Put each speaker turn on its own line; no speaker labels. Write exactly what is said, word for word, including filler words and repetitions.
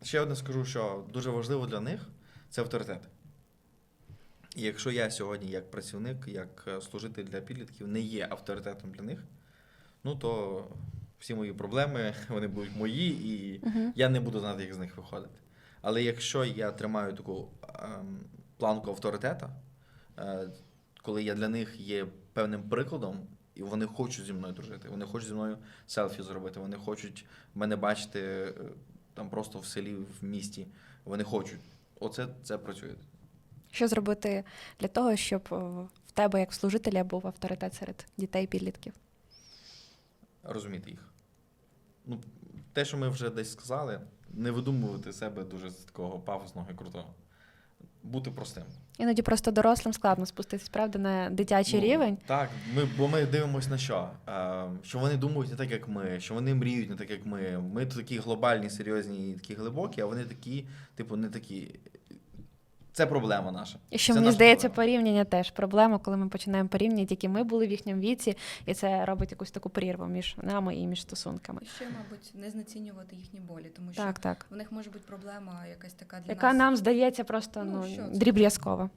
ще одне скажу, що дуже важливо для них – це авторитет. І якщо я сьогодні як працівник, як служитель для підлітків не є авторитетом для них, ну то всі мої проблеми, вони будуть мої, і
Угу.
я не буду знати, як з них виходити. Але якщо я тримаю таку ем, планку авторитета, е, коли я для них є певним прикладом, і вони хочуть зі мною дружити, вони хочуть зі мною селфі зробити, вони хочуть мене бачити е, там просто в селі, в місті, вони хочуть. Оце це працює.
Що зробити для того, щоб о, в тебе, як в служителя, був авторитет серед дітей і підлітків?
Розуміти їх. Ну, те, що ми вже десь сказали, не видумувати себе дуже з такого пафосного і крутого. Бути простим.
Іноді просто дорослим складно спуститись, правда, на дитячий
Ну,
рівень.
Так, ми, бо ми дивимося на що? Е, що вони думають не так, як ми, що вони мріють не так, як ми. Ми такі глобальні, серйозні і такі глибокі, а вони такі, типу, не такі. Це проблема наша.
І що,
Це
мені
наша
здається,
проблема.
порівняння теж проблема, коли ми починаємо порівнювати, які ми були в їхньому віці, і це робить якусь таку прірву між нами і між стосунками.
І ще, мабуть, не знецінювати їхні болі, тому що
Так, так.
в них може бути проблема якась така для
Яка
нас.
нам здається просто
Ну,
ну,
що це?
дріб'язкова.